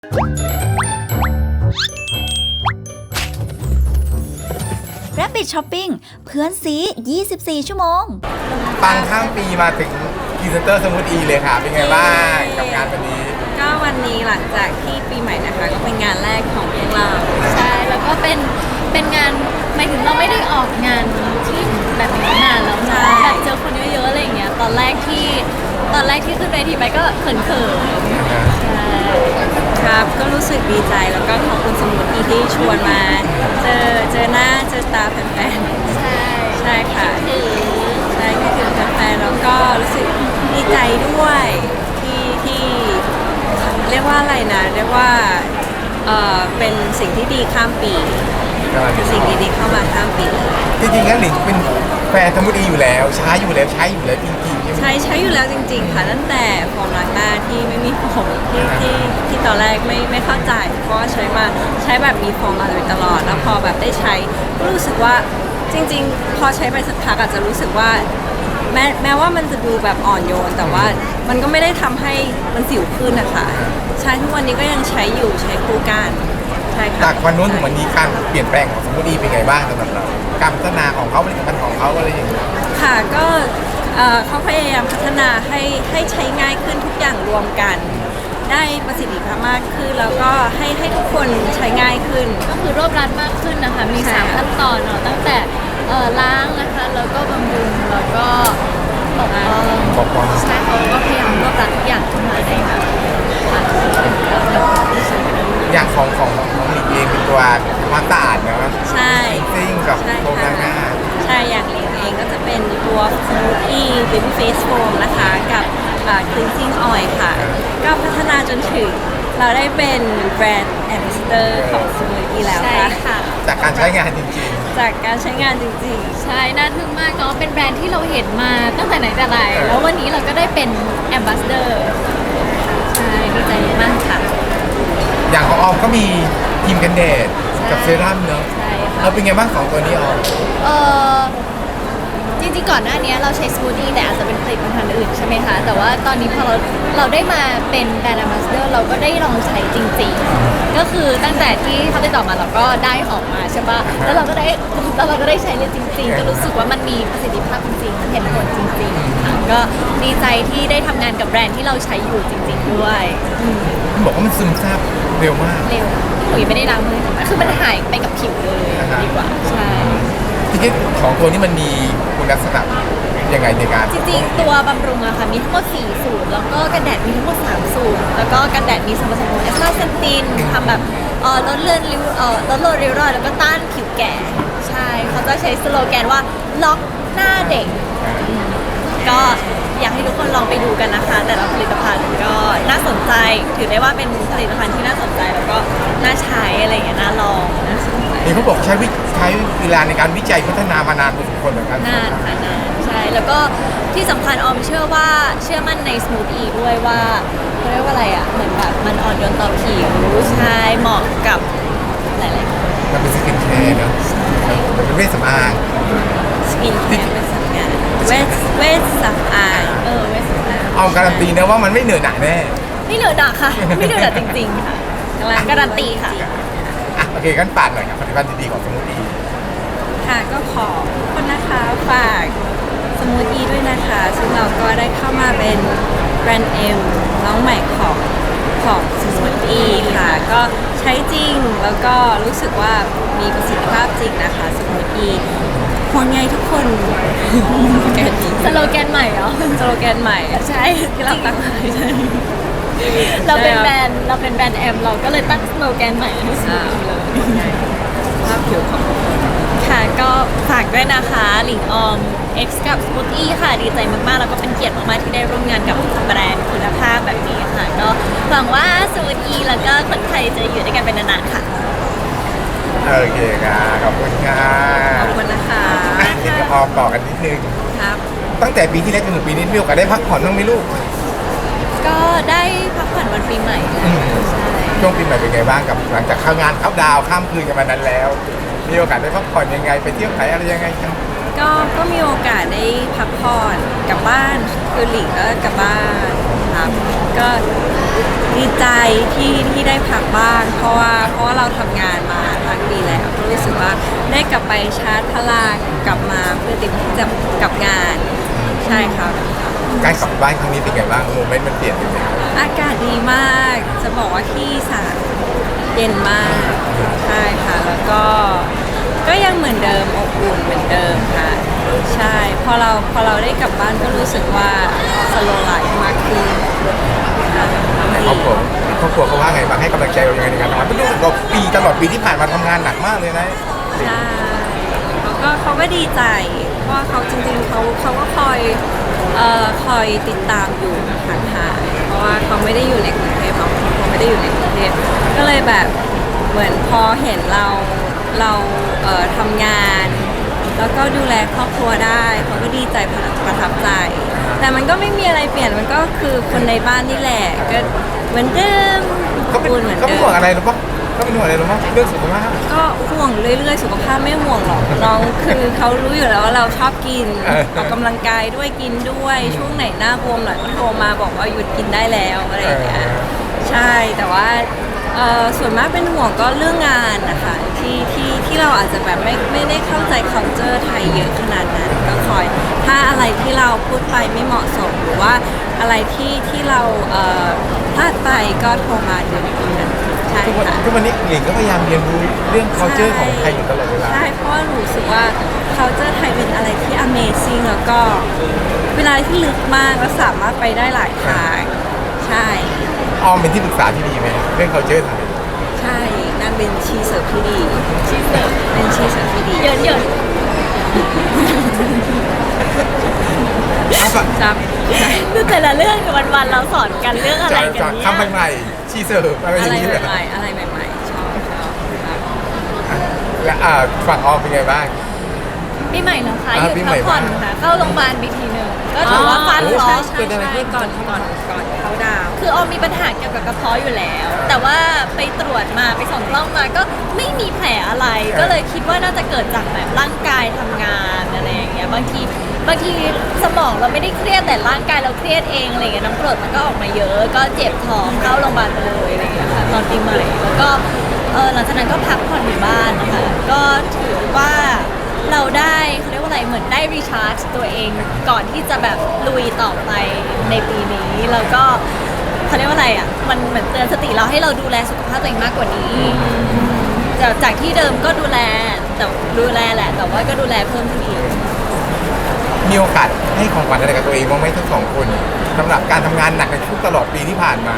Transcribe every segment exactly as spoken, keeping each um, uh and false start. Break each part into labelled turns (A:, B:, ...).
A: Rabbit Shopping เพื่อนซียี่สิบสี่ ชั่วโมง
B: ปังข้ามปีมาถึงพรีเซนเตอร์สมูทอีเลยค่ะ เป็นไงบ้างกับงานวันนี้
C: ก็วันนี้หลังจากที่ปีใหม่นะคะก็เป็นงานแรกของพวกเรา
D: ใช่แล้วก็เป็นเป็นงานหมายถึงเราไม่ได้ออกงานที่แบบนี้นานแล้วนะแบบเจอคนเยอะๆอะไรอย่างเงี้ยตอนแรกที่ตอนแรกที่ขึ้นเวทีไปก็เขินๆใช่
C: ครับก็รู้สึกดีใจแล้วก็ขอบคุณสมุทรีที่ชวนมาเจอเจอหน้าเจอตาแฟนๆใช่ใช่ค่ะใช่คิดถึงแฟนๆแล้วก็รู้สึกดีใจด้วยที่ที่เรียกว่าอะไรนะเรียกว่าเออเป็นสิ่งที่ดีข้ามปีเป็นสิ่งดีๆเข้ามาข้ามปี
B: จริงๆแล้วหลิงเป็นแฟนสมูทอีอยู่แล้วใช้อยู่แล้วใช้อยู่แล้วจริงๆ
C: ใช้ใช้อยู่แล้วจริงๆค่ะตั้งแต่ฟอร์มล้างหน้าที่ไม่มีผมที่ที่ที่ตอนแรกไม่ไม่เข้าใจเพราะว่าใช้มาใช้แบบมีฟอร์มมาโดยตลอดแล้วพอแบบได้ใช้ก็รู้สึกว่าจริงๆพอใช้ไปสักพักอาจจะรู้สึกว่าแม้แม้ว่ามันจะดูแบบอ่อนโยนแต่ว่ามันก็ไม่ได้ทำให้มันสิวขึ้นนะคะใช้ทุกวันนี้ก็ยังใช้อยู่ใช้คู่กันใช่ค่ะ
B: จากวันนู้นถึงวันนี้การเปลี่ยนแปลงของสมูทอีเป็นไงบ้างสำหรับเราการพัฒนาของเขาผลิตภัณฑ์ของเขาอะไรอย่างเงี้ย
C: ค่ะก็เขาพยายามพัฒนาให้ให้ใช้ง่ายขึ้นทุกอย่างรวมกันได้ประสิทธิภาพมากขึ้นแล้วก็ให้ให้ทุกคนใช้ง่ายขึ้น
D: ก็คือรวบรัดมากขึ้นนะคะมีสามขั้นตอนเนาะตั้งแต่ล้างนะคะแล้วก็บำรุงแล้วก็ปกป้องใช่เขาก็พยายามรวบรัดทุกอย่างขึ้นมาได้ค่ะ
B: อย่างของของของหลิงเองเป็นตัวความสะอาดเนาะ
C: ใช่
B: ซิ่งกับโครงหน้า
C: ใช่อย่างหลิงเองก็จะเป็นตัว Smoothie Baby Face Foam นะคะกับ Cleansing Oil ค่ะก็พัฒนาจนถึงเราได้เป็นแบรนด์ Ambassador ของ Smoothie แล้วค่ะ
B: จากการใช้งานจริง
C: ๆจากการใช้งานจริง
D: ๆใช่น่าทึ่งมากเนาะเป็นแบรนด์ที่เราเห็นมาตั้งแต่ไหนแต่ไรแล้ววันนี้เราก็ได้เป็น Ambassador ใช่ดีใจมากค่ะ
B: อย่างของออมก็มีครีมกันแดดกับเซรั่มเนอะเออเป็นไงบ้างสองตัวนี้ออม
D: เออจริงๆก่อนหน้านี้เราใช้สมูทตี้แต่อาจจะเป็นผลิตภัณฑ์อื่นใช่ไหมคะแต่ว่าตอนนี้พอเราเราได้มาเป็นแบรนด์แอมบาสเดอร์เราก็ได้ลองใช้จริงๆก็คือตั้งแต่ที่เขาติดต่อมาเราก็ได้ออกมาใช่ปะแล้วเราก็ได้แล้วเราก็ได้ใช้เลยจริงๆก็รู้สึกว่ามันมีประสิทธิภาพจริงๆเห็นผลจริงๆค่ะก็ดีใจที่ได้ทำงานกับแบรนด์ที่เราใช้อยู่จริงๆด้วย
B: บอกว่ามันซึมซาบเร็วมาก
D: เร็วหนูยังไม่ได้ล้างมือคือมันหายไปกับผิวเลยดีกว่าใช่
B: ทีนี้ของตัวนี้มันมีคุณลักษณะยังไงในการ
D: จริงๆตัวบำรุงอะค่ะมีทั้งหมดสี่สูตรแล้วก็กันแดดมีทั้งหมดสามสูตรแล้วก็กันแดดมีส่วนผสมของเอสตาเซนตินทำแบบเอ่อลดเลือนริ้วเอ่อลดโรคริ้วรอยแล้วก็ต้านผิวแก่ใช่เขาจะใช้สโลแกนว่าล็อกหน้าเด็กก็อยากให้ทุกคนลองไปดูกันนะคะแต่ละผลิตภัณฑ์ก็น่าสนใจถือได้ว่าเป็นผลิตภัณฑ์ที่น่าสนใจแล้วก็น่าใช้อะไรอย่างเงี้ยน่าลองนะ
B: นี่เขาบอกใช้ใช้เวลาในการวิจัยพัฒนามานานพอสมควรเหมือนกัน
D: นานค่ะนานใช่แล้วก็ที่สำคัญออมเชื่อว่าเชื่อมั่นในสมูทอีด้วยว่าเขาเรียกว่าอะไรอ่ะเหมือนแบบมันอ่อนโยนต่อผิวใช่เหมาะกับหลายๆคน
B: มันเป็นสกินแคร์เนาะมันเป็นเวชสำอาง
C: สกินแคร์เป็นสำอางเวชเวชสำอาง
D: เออเวชสำอาง
B: เอาการันตีนะว่ามันไม่เหนื่อยหนักแน่
D: ไม่เหนื่อยหนักค่ะไม่เหนื่อยหนักจริงๆค่ะการันตีค่ะ
B: โอเคกันปาดหน่อยครับผลิตภัณฑ์ดีๆของสมูทอี
C: ค่ะก็ขอทุกคนนะคะฝากสมูทอีด้วยนะคะซึ่งเราก็ได้เข้ามาเป็นแบรนด์เอ็มน้องใหม่ของของสมูทอีค่ะก็ใช้จริงแล้วก็รู้สึกว่ามีประสิทธิภาพจริงนะคะสมูทอีห่วงใยทุกคน
D: สโลแกนใหม่เหรอ
C: สโลแกนใหม่
D: ใช่
C: ที่เราตั้งใช่
D: เราเป็นแบรนด์เราเป็นแบรนด์แอมเราก็เลยตั้งสโลแกนใหม่ให้สมูทอีเลย
C: ภาพผิวของ
D: ค่ะก็ฝากด้วยนะคะหลิงออม X กับ Smoothie ค่ะดีใจมากๆแล้วก็เป็นเกียรติมากๆที่ได้ร่วมงานกับแบรนด์คุณภาพแบบนี้ค่ะก็หวังว่า Smoothie แล้วก็คนไทยจะอยู่ด้วยกันเป็นนานๆค่ะ
B: โอเคค่ะขอบคุณค่ะ
C: ขอบคุณนะคะ
B: เดี๋ยวออมต่อกันนิดนึง
C: ครับ
B: ตั้งแต่ปีที่แล้วจนถึงปีนี้มีโอกาสได้พักผ่อนบ้างไหมลูก
D: ก็ได้พักผ่อนวันปีใหม่ใช่
B: ช่วงปีใหม่เป็นไงบ้างกับหลังจากเข้างานเข้าดาวข้ามคืนกันมานั้นแล้วมีโอกาสได้พักผ่อนยังไงไปเที่ยวไหนอะไรยังไงครับ
C: ก็ก็มีโอกาสได้พักผ่อนกลับบ้านคือหลิงก็กลับบ้านครับก็ดีใจที่ที่ได้พักบ้างเพราะว่าเพราะว่าเราทำงานมาทั้งปีแล้วก็รู้สึกว่าได้กลับไปชาร์จพลังกลับมาเพื่อเตรียมที่จะกับงานใช่ครับ
B: การกลับบ้านครั้งนี้เป็นไงบ้างโมเมนต์มันเปลี่ยนไปไหม
C: อากาศดีมาก จะบอกว่าที่อีสานเย็นมาก ใช่ค่ะ แล้วก็ ก็ยังเหมือนเดิมอบอุ่นเหมือนเดิมค่ะ ใช่ พอเราพอเราได้กลับบ้านก็รู้สึกว่าสโลไลฟ์มากขึ้นค่ะ
B: ในครอบครัวครอบครัวเขาว่าไงบ้างให้กำลังใจเรายังไงในการทำงานไม่รู้สึกว่าปีตลอดปีที่ผ่านมาทำงานหนักมากเลยนะ
C: ใช่เขาก็เขาก็ดีใจ เพราะว่าเขาจริงๆเขาเขาก็คอยเอ่อคอยติดตามอยู่ห่างๆเพราะว่าเขาไม่ได้อยู่ในกรุงเทพเขาเขาไม่ได้อยู่ในกรุงเทพก็เลยแบบเหมือนพอเห็นเราเราเอ่อทำงาน แล้วก็ดูแลครอบครัวได้เขาก็ดีใจประทับใจ แต่มันก็ไม่มีอะไรเปลี่ยนมันก็คือคนในบ้านนี่แหละก็เหมือนเดิม
B: เขาเป็น
C: อุ่นเหมือน
B: เขาเป็
C: เดิ
B: นห่วง
C: ม
B: อะไรหรือเปล่าเขาเป็นห่วงอะไรหรือเปล่าเรื่องสุขภาพ
C: ก็ห่วงเรื่อยๆ สุขภาพไม่ห่วงหรอกน้องคือเขารู้อยู่แล้วว่าเราชอบกิน
B: เออ
C: ออกกำลังกายด้วยกินด้วยช่วงไหนหน้าบวมหน่อยก็โทรมาบอกว่าหยุดกินได้แล้วอะไรอย่างเงี้ยใช่แต่ว่าเอ่อส่วนมากเป็นห่วงก็เรื่องงานนะคะที่ที่ที่เราอาจจะแบบไม่ไม่ได้เข้าใจ culture ไทยเยอะขนาดนั้นก็คอยถ้าอะไรที่เราพูดไปไม่เหมาะสมหรือว่าอะไรที่ที่เราเอ่อพลาดไปก็โทรมาเดี๋ยวนี้กันใช่
B: ทุกวัน
C: ค่ะ
B: ทุกวันนี้หลิงก็พยายามเรียนรู้เรื่อง culture ของไทยอยู่ตลอดเวลา
C: ใช่ เพราะว่ารู้สึกว่า culture ไทยเป็นอะไรที่ amazing แล้วก็เวลาที่ลึกมากแล้วสามารถไปได้หลายทาง ใช่
B: ออมเป็นที่ปรึกษาที่ดีไหมเรื่อง culture ไทย
C: ใช่นั่นเป็นชีเสิร์ฟที่ดีชีเสิร์ฟเป็นชีเสิร์ฟที่ดี
D: เหยินเหยิน
B: เอาปะ
C: จับ
D: คือแต่ละเรื่องกับวันๆเราสอนกันเรื่องอะไรกัน
B: จาก
D: เนี่ย
B: คำใหม่ๆชีเสิร์ฟอะไรอ
C: อะไร
B: ย่างนี้เลย
C: ใหม่ๆอะไรใหม่ๆชอบชอบครับ
B: และอ่าฝั่งออมเป็นไงบ้าง
D: ปีใหม่เหรอคะ
B: อ่า
D: หยุด
B: ปีใหม่
D: พักผ่อน
B: บ้าง
D: ค่ะเข้าโรงพยาบาลไปทีหนึ่งก็ถือว่าฟัน
B: โอ้
D: ร้อ
C: ใช่
D: ง
C: ใช่
B: เกิดอะไรขึ้
C: ใช่
B: น
C: ก่อนก่อนก่อนเขาดาวน์
D: คือออมมีปัญหาเกี่ยวกับกระเพาะอยู่แล้ว แต่ว่าไปตรวจมาไปส่องกล้องมาก็ไม่มีแผลอะไร ก็เลยคิดว่าน่าจะเกิดจากแบบร่างกายทำงานอะไรอย่างเงี้ยบางทีบางทีสมองเราไม่ได้เครียดแต่ร่างกายเราเครียดเองอะไรอย่างเงี้ยน้ำกรดมันก็ออกมาเยอะ ก็เจ็บท้องเข้าโรงพยาบาลไปเลยอะไรอย่างเงี้ยค่ะตอนปีใหม่แล้วก็เออหลังจากนั้นก็พักผ่อนอยู่บ้านนะคะก็ถือว่าเราได้เขาเรียกว่าอะไรเหมือนได้รีชาร์จตัวเองก่อนที่จะแบบลุยต่อไปในปีนี้แล้วก็เขาเรียกว่าอะไรอ่ะมันเหมือนเตือนสติเราให้เราดูแลสุขภาพตัวเองมากกว่านี้จากจากที่เดิมก็ดูแลแต่ดูแลแหละ แต่ว่าก็ดูแลเพิ่มขึ้นอีก
B: มีโอกาสให้ของขวัญอะไรกับตัวเองบ้างไหมทั้งสองคนสำหรับการทำงานหนักในทุกตลอดปีที่ผ่านมา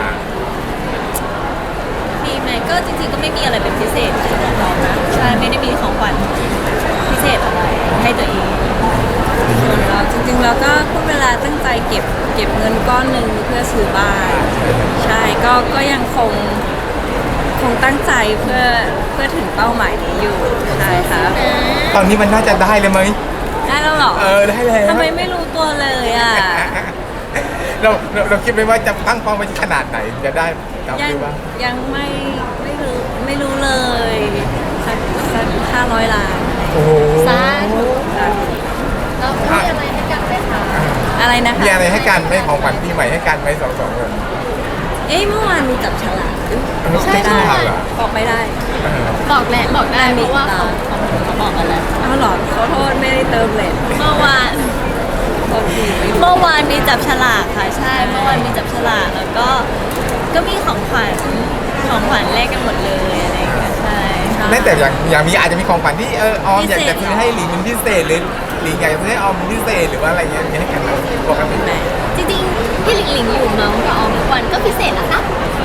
D: มีไหมก็จริงๆก็ไม่มีอะไรเป็นพิเศษสำหรับเรานะใช่ไม่ได้มีของขวัญพิเศษอะไรให้ตัวเอง
C: ส่วนเราจริงๆเราก็พูดเวลาตั้งใจเก็บเก็บเงินก้อนหนึ่งเพื่อซื้อบ้านใช่ก็ก็ยังคงคงตั้งใจเพื่อเพื่อถึงเป้าหมายนี้อยู่ใช่ครับ
B: ตอนนี้มันน่าจะได้เลยไหม
C: ได้แล้วเหรอ
B: เออได้แล้ว
C: ทำไมไม่รู้ตัวเลยอ่ะ
B: เราเราเราคิดไหมว่าจะตั้งเป้าไว้ที่ขนาดไหนจะได้ตาม
C: ยัง
B: ที่ว่า
C: ยังไม่ไม่รู้ไม่รู้เลยสักสักห้าร้อยล้าน
B: โอ้โห
D: สาธุ
C: ครับ
D: เรามีอะไรให้กันไหมคะ
C: อะไรนะคะ
B: มีอะไรให้กันไหมของขวัญปีใหม่ให้กันไหมสองสองคน
C: เอ้ยเมื่อวานมีจับฉลาก
B: ใช่ใช่เหรอ
C: บอกไม่ได้
B: เออ
D: บอกแหละบอกได้เพราะว่าเขาเขาเขาบอกกันแล้ว
C: อ้าวเหรอขอโทษไม่ได้เติมเลท
D: เมื่อวาน
C: โทษทีไม่รู้
D: เมื่อวานมีจับฉลากค่ะใช่เมื่อวานมีจับฉลากแล้วก็ก็มีของขวัญของขวัญแลกกันหมดเลยอะไรอย่างเงี้ยใช่
B: ไม่แต่อย่างอย่างมีอาจจะมีของขวัญที่เออออมอยากจะซื้อให้หลิงเป็นพิเศษหรือหลิงอยากจะซื้อให้ออมเป็นพิเศษหรือว่าอะไรเงี้ยมีให้กันไหมปกติ
C: แหม
D: จริงๆพี่หลิงหลิงอยู่เมาส์กับออมทุกวันก็พิเศษนะคะ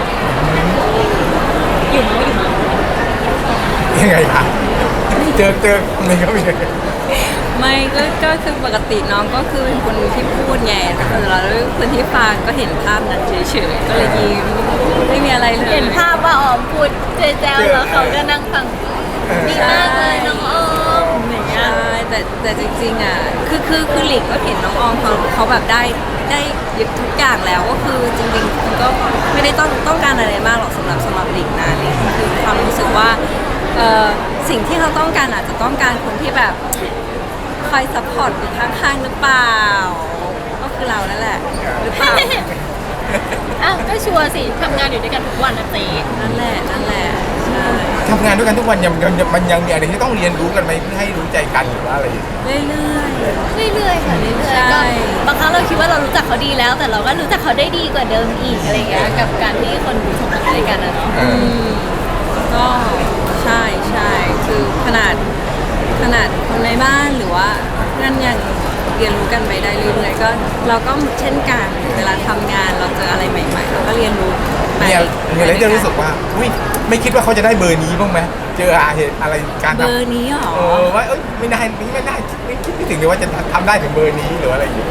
D: อยู่เมาส์อยู่เมาส์
B: ยังไงคะเจอเจออะไรก็มี
C: ไม่ก็ก็คือปกติน้องก็คือเป็นคนที่พูดไงแต่เราคนที่ฟังก็เห็นภาพนั้นเฉยๆก็เลยยิ้มไม่มีอะไรเลย
D: เห็นภาพว่าออมพูดเจ๊แจ้วแล้วเขาก็นั่งฟังดีมากเลยน้องออมอย่างเงี้ย
C: ใช่แต่แต่จริงๆอ่ะคือคือคือหลิงก็เห็นน้องออมเขาเขาแบบได้ได้ยึดทุกอย่างแล้วก็คือจริงๆคุณก็ไม่ได้ต้องต้องการอะไรมากหรอกสำหรับสำหรับหลิงนะหลิงคือความรู้สึกว่าเออสิ่งที่เขาต้องการอาจจะต้องการคนที่แบบคอยซัพพอร์ตอยู่ข้างๆหรือเปล่า ก็คือเรานั่นแหละหรือเปล่า
D: อ้าวก็ชัวร์สิทำงานอยู่ด้วยกันทุกวันนะเจ๊
C: นั่นแหละนั่นแหละใช่
B: ทำงานด้วยกันทุกวันยังยังยังมันยังมีอะไรที่ต้องเรียนรู้กันไหมเพื่อให้รู้ใจกันหรือว่าอะไรอย่างเงี้ย
C: เรื่อย
D: เรื่อยๆค่ะเรื่อย
C: ใช่
D: ๆก็บางครั้งเราคิดว่าเรารู้จักเขาดีแล้ว แต่เราก็รู้จักเขาได้ดีกว่าเดิมอีกอะไรอย่างเงี้ยกับการที่คนทำงานด้วยกันนะเนาะ
B: เอ
C: ๆ
B: อ
C: อืมก็ใช่ใช่คือขนาดขนาดคนในบ้านหรือว่าเพื่อนยังเรียนรู้กันไปได้เรื่อยๆก็เราก็เช่นกันเวลาทำงานเราเจออะไรใหม่ๆเราก็เรียนรู้ไป
B: มีอะไรมีอะไรที่จะรู้สึกว่าอุ้ยไม่คิดว่าเขาจะได้เบอร์นี้บ้างไหมเจอเหตุอะไรการ
C: เบ
B: ทำ
C: อร์นี้หรอ
B: เออว่าเอ้ยไม่ได้ไม่ได้ไม่คิดไม่ถึงเลยว่าจะทำได้ถึงเบอร์นี้หรืออะไรอย่างเงี้ย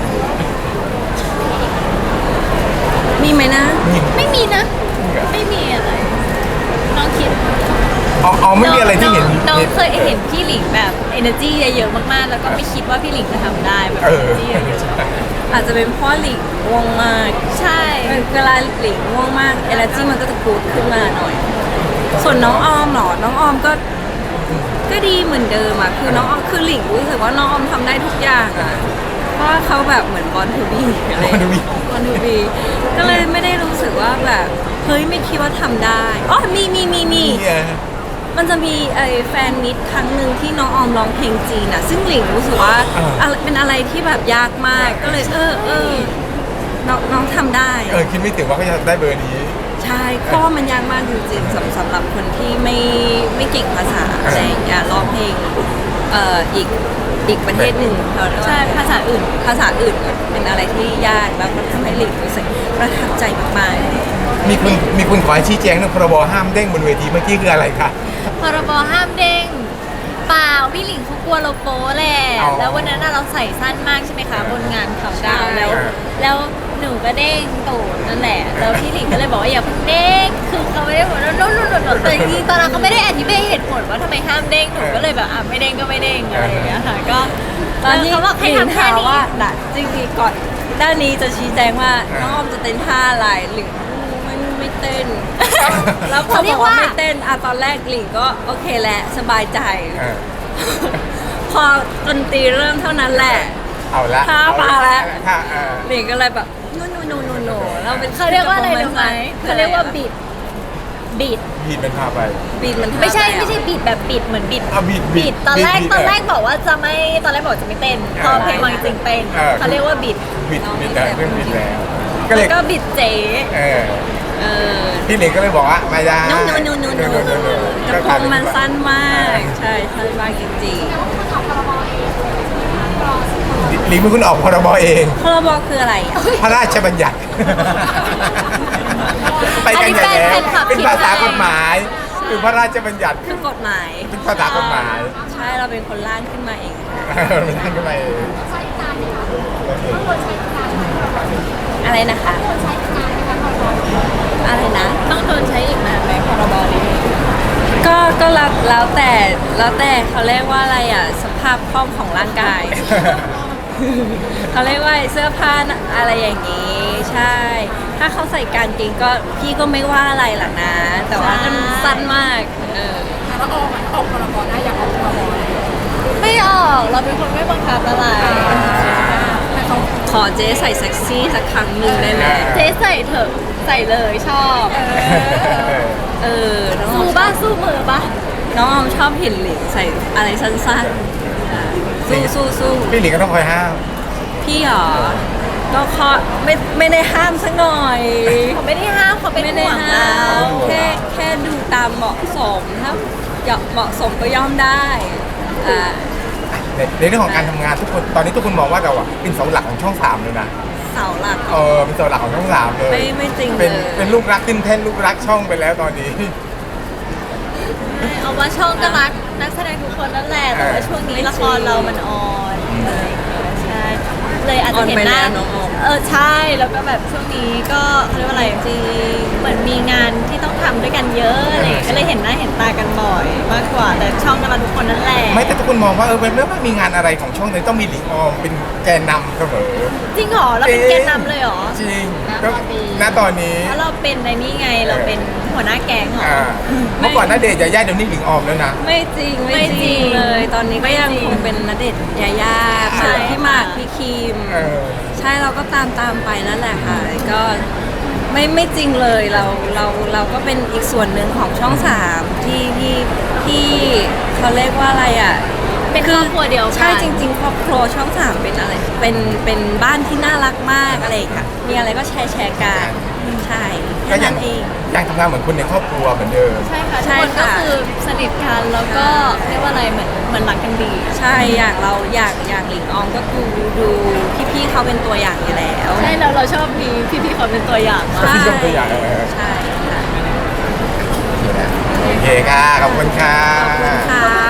C: มีไหมนะ
B: นี่
D: ไม่มีนะ ไม่มีอะไรน้องคิด
B: เอาเอาไม่มีอะไรที่เห็น
D: น้องเคยเห็นพี่หลิงแบบ energy เยอะๆมากๆ แล้วก็ไม่คิดว่าพี่หลิงจะทำได้แบบ
B: เออ
D: energy เยอะ
C: อาจจะเป็นเพราะหลิงง่วงมาก
D: ๆใช่
C: เวลาหลิงง่วงมาก energy มันก็จะกูดขึ้นมาหน่อย ส่วนน้องออมเหรอ น้องออมก็ ก็ดีเหมือนเดิมอะคือน้องออมคือหลิงรู้สึกว่าน้องออมทำได้ทุกอย่างอะเพราะว่าเขาแบบเหมือนบอลทูบีอะไร
B: Born to be
C: บอลทูบีก็เลยไม่ได้รู้สึกว่าแบบเฮ้ยไม่คิดว่าทำได้อ๋อมีมีมีมี
B: นี่ไง
C: มันจะมีไอ้แฟนมิตรครั้งหนึ่งที่น้องออมร้องเพลงจีนอะซึ่งหลิงรู้สึกว่า
B: อ่า
C: อะไรเป็นอะไรที่แบบยากมาก ก็เลยเออเออน้องน้องทำได้
B: เออคิดไม่ถึงว่าเขาจะได้เบอร์นี้
C: ใช่เพราะว่ามันยากมากจริงๆสำสำหรับคนที่ไม่ไม่เก่งภาษาอะไรอย่างเงี้ยร้องเพลงเอ่ออีกอีกประเทศหนึ่งเขาเรียกว่า
D: ใช่ภาษาอื่น
C: ภาษาอื่นเป็นอะไรที่ยากแล้วก็ทำให้หลิงรู้สึกประทับใจมาก
B: มีคุณมีคุณขอให้ชี้แจงเรื่องพรบห้ามเด้งบนเวทีเมื่อกี้คืออะไรคะ
D: พรบห้ามเด้งเปล่าพี่หลิงเขากลัวเราโป๊แหละ
B: อ๋อ
D: แล้ววันนั้นน่ะเราใส่สั้นมากใช่ไหมคะบนงานเขาดาวน์แล้ว
B: ใช่
D: แล้วหนูก็เด้งตูดนั่นแหละแล้วพี่หลิงก็เลยบอกว่าอย่าเพิ่งเด้งคือเขาไม่ได้บอกว่าโน่นโน่นโน่นแต่จริงๆตอนนั้นเขาไม่ได้อธิบายเหตุผลว่าทำไมห้ามเด้งหนูก็เลยแบบอ่ะไม่เด้งก็ไม่เด้งอะไรอย่างเงี้ยค่ะก็
C: ๆตอนนี้
D: เขาบอกให้
C: หลิง
D: ทำแค่
C: ถาม
D: นี้
C: ว่าน่ะจริงๆก่อนด้านนี้จะชี้แจงว่าน้องออมจะเต้นท่าอะไรหลิงไม่ไม่เต้น แล้วพอบอกว่าไม่เต้นอะตอนแรกหลิงก็โอเคแหละสบายใจ
B: เออ
C: พอดนตรีเริ่มเท่านั้นแหละ
B: เอาละ
C: ท่ามาแล้ว
B: ค่ะเออ
C: หลิงก็เลยแบบโนโนโนโนโนเราเป็น
D: เขาเรียกว่าอะไรรู้ไหมเขาเรียกว่าบิดบิด
B: บีดเป็นพาไป
C: บีดมัน
D: ไม่ใช่ไม่ใช่บิดแบบบิดเหมือนบิด
B: เอาบีดบี
D: บิ
B: ด
D: ดตอนแรก
B: บีด
D: ตอนแรก
B: เ
D: บอกว่าจะไม่ตอนแรกบอกจะไม่เต้นพอเพลงมาจริงๆเป็น
B: เออ
D: เขาเรียกว่าบิด
B: บีดบีดแล้วเรื่องบีดแล้ว ก็เล
D: แล้
B: ยว
D: ก็บิดเจ๊
B: เออ
C: เออ
B: พี่เหล็กก็เลยบอกว่าไม่ได้
C: โนโนโนโนโนกระโปรงมันสั้นมาก ใช่สั้นมากจริง
B: หลิงเป็นคนออกพรบเอง
C: ๆพรบคืออะไรอ่ะ
B: พระราชบัญญัติ ไปกันใหญ่แล้วเป็นภาษากฎหมายคือพระราชบัญญัติ
C: คือกฎหมาย
B: เป็นภาษากฎหมาย
C: ใช่เราเป็นคนร่างขึ้นมาเองค่ะ
B: มันนั่งขึ้นมาเอง
C: อะไรนะคะอะไรนะ
D: ต้องโดนใช้อีกนานไหมพรบนี้
C: ก็ก็แล้วแล้วแต่แล้วแต่เขาเรียกว่าอะไรอ่ะสภาพคล่องของร่างกาย เขาเรียกว่าเสื้อผ้าอะไรอย่างนี้ ใช่ ถ้าเขาใส่กางเกงก็พี่ก็ไม่ว่าอะไรหรอกนะ แต่ว่ามันสั้นมากเออ
D: ไม่ออกเราเป็นคนไม่บังคับอะไร
C: ขอเจ๊ใส่เซ็กซี่สักครั้งหนึ่งได้ไหม
D: เจ๊ใส่เถอะใส่เลยชอบ
C: เออน้องออ
D: สู้
C: ม
D: บ้าสู้มือปะ
C: น้องออมชอบเห็นหลิงใส่อะไรสั้นๆสู้สู้สู้
B: พี่หลิงก็ต้องคอยห้าม
C: พี่หรอก็ขอไม่ไม่ได้ห้ามสักหน่อย
D: เขาไม่ได้ห้ามเขาเป็น
C: ไม่ได้
D: ห่วง
C: ห้า
D: เรา
C: มแค่แค่ดูตามเหมาะสมถ้าเหมาะสมก็ย่อมได้อ่า
B: ในในเรื่องของการทำงานทุกคนตอนนี้ทุกคนมองว่าเราอะเป็นเสาหลักของช่องสามเลยนะ
C: เสาหลัก
B: เออเป็นเสาหลักของช่องสามเลย
C: ไม่ไม่จริง
B: เป็น
C: เลย
B: เป็นลูกรักขึ้นแท่นลูกรักช่องไปแล้วตอนนี้
D: เอาว่าช่องก็รักนักแสดงทุกคนนั่นแหละแต่ว่าช่วงนี้ละครเรามันออนอะไรอย่างเงี้ยใช่เลยอาจจะเห็นหน้า
C: ออนไปแล้วน้องออม
D: เออใช่แล้วก็แบบช่วงนี้ก็เขาเรียกว่าอะไร
C: จริง
D: เหมือนมีงานที่ต้องทำด้วยกันเยอะอะไรอย่างเงี้ยก็เลยเห็นหน้าเห็นตากันบ่อย มากกว่าแต่ช่องก็รักทุกคนนั่นแหละ
B: ไม่แต่ทุกคนมองว่าเออเป็นเรื่องไม่มีงานอะไรของช่องเลยต้องมีหลิงออมเป็นแกนนำเสมอ
D: จริงเหรอเราเป็นแกนนำเลยเหรอ
B: จริงก็ณตอนนี้
D: เพราะเราเป็นในนี่ไงเราเป็นหัวหน้าแก๊งเหรอ
B: อ่าเมื่อก่อนณเดชน์ยาย่าเดี๋ยวนี้หลิงออมแล้วนะ
C: ไม่จริง
D: ไม่จริง
C: เลย ตอนนี้ก็ยังคงเป็นณเดชน์ยายา
D: ใช่
C: พี่หมากพี่คิม
B: เออ
C: ใช่เราก็ตามตามไปนั่นแหละค่ะก็ไม่ไม่จริงเลยเราเราเราก็เป็นอีกส่วนหนึ่งของช่องสามที่ที่ที่เขาเรียกว่าอะไรอ่ะ
D: เป็นครอบครัวเดียวกัน
C: ใช่จริงๆครอบครัวช่องสามเป็นอะไรเป็นเป็นบ้านที่น่ารักมากอะไรค่ะมีอะไรก็แชร์แชร์กันใช่
B: ก็
C: แค่
B: ยั
C: นั้
B: ง
C: นเอง
B: ยังทำงานเหมือนคนในครอบครัวเหมือนเดิม
D: ใช่ค่ะ
C: ใช่
D: ทุกคนก็
C: ค่ะ
D: คือสนิทกันแล้วก็เรียกว่าอะไรเหมือนเหมือนรักกันดี
C: ใช่อย่างเราอยากอยากหลิงออมก็คือดูพี่ๆเขาเป็นตัวอย่างอยู่แล้ว
D: ใช่แล้วเราชอบมีพี่ๆเขาเป็นตัวอย่างมาก
B: พี่ชมตัวอย่างเออ
C: ใช่ค่ะ
B: โอเคค่ะ ขอบคุณค่ะ
C: ค่ะ